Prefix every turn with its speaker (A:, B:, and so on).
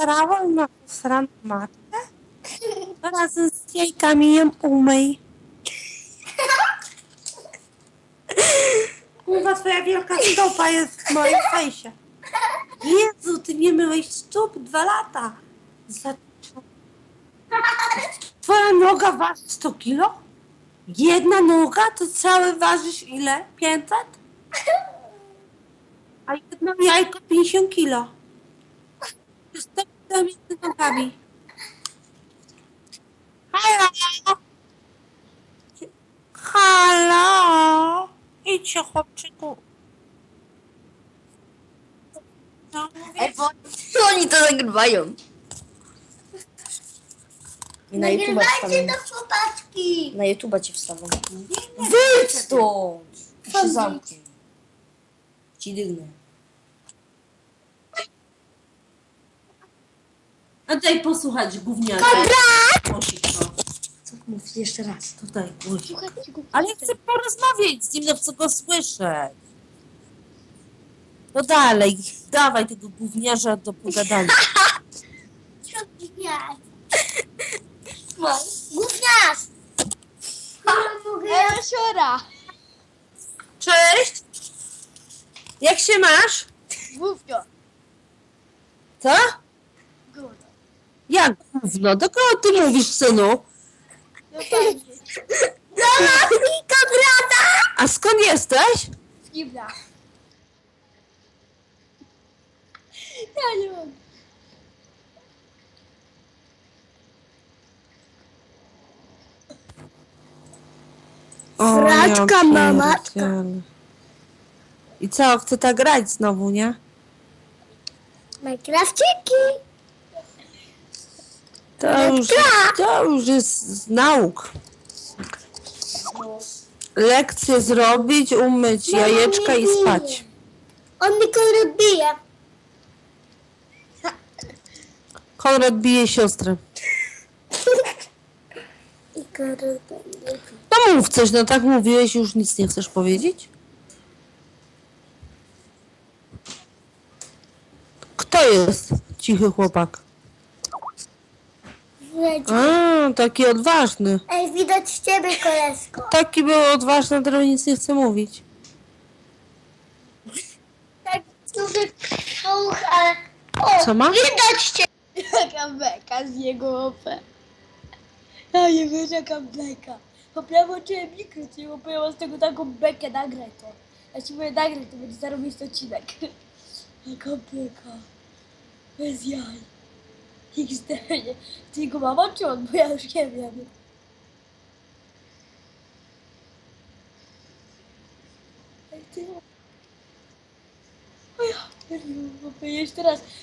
A: nasrałem na sraną matkę? Razem z jajkami ją umyj. Kurwa, twoja wielka stopa jest w moim fejsie. Jezu, ty nie myłeś stóp 2 lata. Twoja noga waży 100 kilo? Jedna noga to całe ważysz ile? 500? A jedno jajko 50 kilo. Stop między nogami. Halo? Halo? Idźcie, chłopczyku. No,
B: Ej, bo oni to nagrywają. I na YouTube'a
C: Nagrywajcie
B: wstawiam.
C: do chłopaczki.
B: Na YouTube'a ci wstawiam. Wyjdź stąd! Się zamknij. Ci dygnę.
A: A daj posłuchać gówniarza.
B: Co mów jeszcze raz?
A: Tutaj, głośno. Ale ja chcę porozmawiać z nim, no chcę go słyszeć. No dalej, dawaj tego gówniarza do pogadania.
C: Co gówniarz? Gówniarz!
D: Siora!
A: Cześć! Jak się masz?
D: Główno!
A: Co?
D: Gówno!
A: Jak gówno? Do kogo ty mówisz, synu?
D: No fajnie!
A: A skąd jesteś?
D: Z Gibla! Ja nie mogę!
C: Fraczka,
A: ja
C: mamaczka.
A: pierdzielę. I co, chce tak grać znowu, nie?
C: Minecrafciki.
A: To już jest z nauk. Lekcje zrobić, umyć jajeczka i spać.
C: On mi kolor bije.
A: Konrad bije siostrę.
C: I kolor bije.
A: No mów coś, no tak mówiłeś, już nic nie chcesz powiedzieć? Kto jest cichy chłopak? A, taki odważny.
C: Ej, widać ciebie, koleżko.
A: Taki był odważny, a teraz nic nie chce mówić.
C: Tak duży słuch, ale... O,
A: Co ma?
C: widać cię.
D: Jaka beka z jego OP! Ja nie wiem, jaka beka! Ja włączyłem mikro, czyli ja z tego taką bekę, nagraj to. Ja ci mówię, nagraj to, będzie zarobić odcinek. Jaka beka! Bez jaj. XD, nie. Ty jego mama czy on? Bo ja już nie wiem. Ej, ty... O ja, jeszcze raz.